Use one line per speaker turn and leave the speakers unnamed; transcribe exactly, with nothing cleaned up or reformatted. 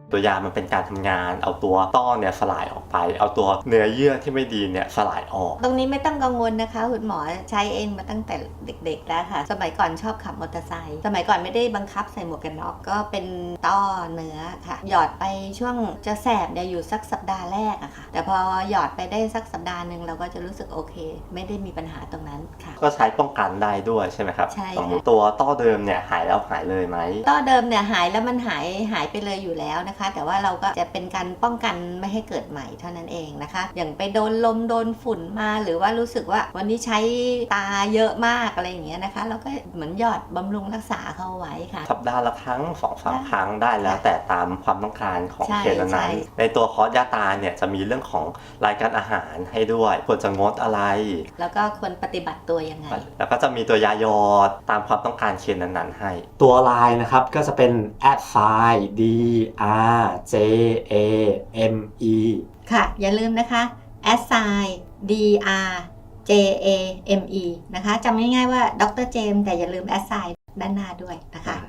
ตัวยามันเป็นการทำงานเอาตัวต้อเนี่ยสลายออกไปเอาตัวเนื้อเยื่อที่ไม่ดีเนี่ยสลายออก
ตรงนี้ไม่ต้องกังวลนะคะคุณหมอใช้เองมาตั้งแต่เด็กๆแล้วค่ะสมัยก่อนชอบขับมอเตอร์ไซค์สมัยก่อนไม่ได้บังคับใส่หมวกกันน็อกก็เป็นต้อเนื้อค่ะหยอดไปช่วงจะแสบเนี่ยอยู่สักสัปดาห์แรกอะค่ะแต่พอหยอดไปได้สักสัปดาห์หนึ่งเราก็จะรู้สึกโอเคไม่ได้มีปัญหาตรงนั้นค่ะ
ก็ใช้ป้องกันได้ด้วยใช่ไหมครับ
ใช่
สมมติตัวต้อเดิมเนี่ยหายแล้วหายเลยไหม
ต้อเดิมเนี่ยหายแล้วมันหายหายไปเลยอยู่แล้วนะคะแต่ว่าเราก็จะเป็นการป้องกันไม่ให้เกิดใหม่เท่านั้นเองนะคะอย่างไปโดนลมโดนฝุ่นมาหรือว่ารู้สึกว่าวันนี้ใช้ตาเยอะมากอะไรอย่างเงี้ยนะคะเราก็เหมือนหยอดบำรุงรักษาเข้าไว้ค่ะ
สัปดาห์ละครั้งสองสามครั้งได้แล้วแต่ตามความต้องการของเคสนั้นๆในตัวคอร์สยาตาเนี่ยจะมีเรื่องของรายการอาหารให้ด้วยควรจะงดอะไร
แล้วก็ควรปฏิบัติตัวยังไง
แล้วก็จะมีตัวยาหยอดตามความต้องการเคสนั้นๆให้ตัวไลน์นะครับก็จะเป็น แอท ไซน์ ดี อาร์ เจ เอ เอ็ม อี
ค่ะอย่าลืมนะคะ แอท ไซน์ ดี อาร์ เจ เอ เอ็ม อี นะคะจำง่ายๆว่าดรเจมส์แต่อย่าลืม แอท ไซน์ ด้านหน้าด้วยนะคะ